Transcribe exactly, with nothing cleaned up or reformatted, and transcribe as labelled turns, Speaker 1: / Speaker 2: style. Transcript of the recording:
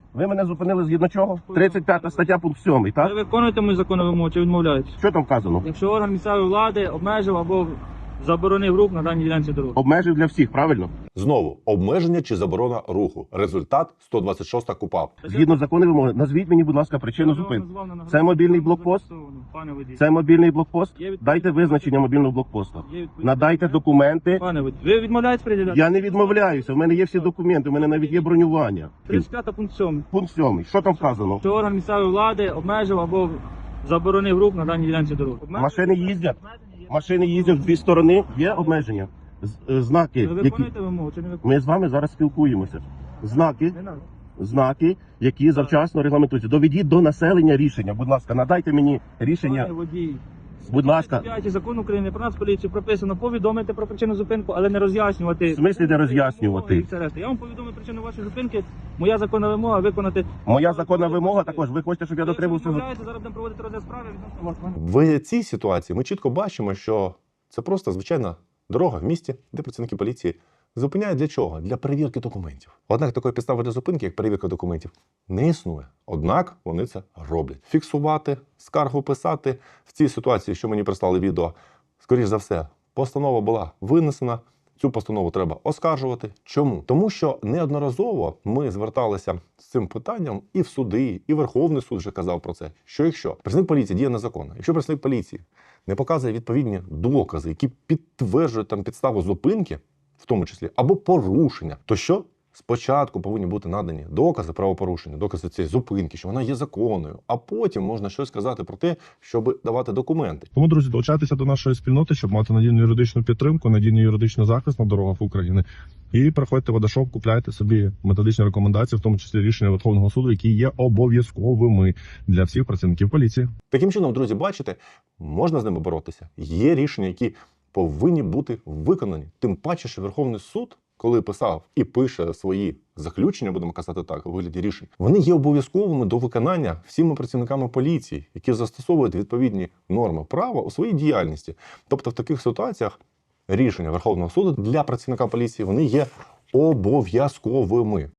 Speaker 1: Ви мене зупинили згідно чого? тридцять п'ята стаття, пункт сьомий,
Speaker 2: Ви
Speaker 1: так?
Speaker 2: виконуєте мою законну вимогу чи відмовляєтесь?
Speaker 1: Що там вказано?
Speaker 2: Якщо орган місцевої влади обмежив або заборонив рух на даній ділянці дороги.
Speaker 1: Обмежив для всіх, правильно?
Speaker 3: Знову обмеження чи заборона руху. Результат сто двадцять шоста КУпАП.
Speaker 1: Згідно закону вимоги. Назвіть мені, будь ласка, причину
Speaker 2: Я вам
Speaker 1: зупинки.
Speaker 2: назвав на нагадування.
Speaker 1: Це мобільний блокпост?
Speaker 2: Пане водій.
Speaker 1: Це мобільний блокпост?
Speaker 2: Є відповідь.
Speaker 1: Дайте визначення мобільного блокпосту.
Speaker 2: Є відповідь.
Speaker 1: Надайте документи.
Speaker 2: Пане водій. Ви відмовляєтесь приділяти?
Speaker 1: Я не відмовляюся, в мене є всі документи, у мене навіть є бронювання.
Speaker 2: тридцять п'ята пункт сьомий.
Speaker 1: Пункт сьомий. Що там вказано?
Speaker 2: Що орган місцевої влади обмежив або заборонив рух на даній ділянці дороги. Обмеження-
Speaker 1: Машини їздять?
Speaker 2: Обмеження є.
Speaker 1: Машини їздять в дві сторони, є обмеження. З- е, Знаки,
Speaker 2: Ви
Speaker 1: які...
Speaker 2: виконуєте вимогу чи не виконуєте?
Speaker 1: Ми з вами зараз спілкуємося. Знаки,
Speaker 2: Не надо.
Speaker 1: знаки, які завчасно регламентуються. Доведіть до населення рішення. Будь ласка, надайте мені рішення.
Speaker 2: Пане водій.
Speaker 1: Будь ласка.
Speaker 2: п'ятий закон України про Нацполіцію прописано повідомити про причину зупинку, але не роз'яснювати.
Speaker 1: В смислі не роз'яснювати?
Speaker 2: Я вам повідомив причину вашої зупинки. Моя законна вимога виконати.
Speaker 1: Моя законна вимога також. Ви хочете, щоб я дотримався?
Speaker 2: Ви відмовляєтесь, зараз будемо проводити розгляд справи відносно вас. пане.
Speaker 3: В цій ситуації ми чітко бачимо, що це просто звичайна дорога в місті, де працівники поліції зупиняють для чого? Для перевірки документів. Однак такої підстави для зупинки, як перевірка документів, не існує. Однак вони це роблять. Фіксувати, скаргу писати. В цій ситуації, що мені прислали відео, скоріш за все, постанова була винесена. Цю постанову треба оскаржувати. Чому? Тому що неодноразово ми зверталися з цим питанням і в суди, і Верховний суд вже казав про це. Що якщо працівник поліції діє незаконно, якщо працівник поліції не показує відповідні докази, які підтверджують там підставу зупинки, в тому числі, або порушення, то що? Спочатку повинні бути надані докази правопорушення, докази цієї зупинки, що вона є законною, а потім можна щось сказати про те, щоб давати документи.
Speaker 4: Тому, друзі, долучайтеся до нашої спільноти, щоб мати надійну юридичну підтримку, надійний юридичний захист на дорогах України. І приходьте в Водошоп, купляйте собі методичні рекомендації, в тому числі рішення Верховного суду, які є обов'язковими для всіх працівників поліції.
Speaker 3: Таким чином, друзі, бачите, можна з ними боротися. Є рішення, які повинні бути виконані. Тим паче, що Верховний суд, коли писав і пише свої заключення, будемо казати так, у вигляді рішень, вони є обов'язковими до виконання всіма працівниками поліції, які застосовують відповідні норми права у своїй діяльності. Тобто в таких ситуаціях рішення Верховного суду для працівника поліції, вони є обов'язковими.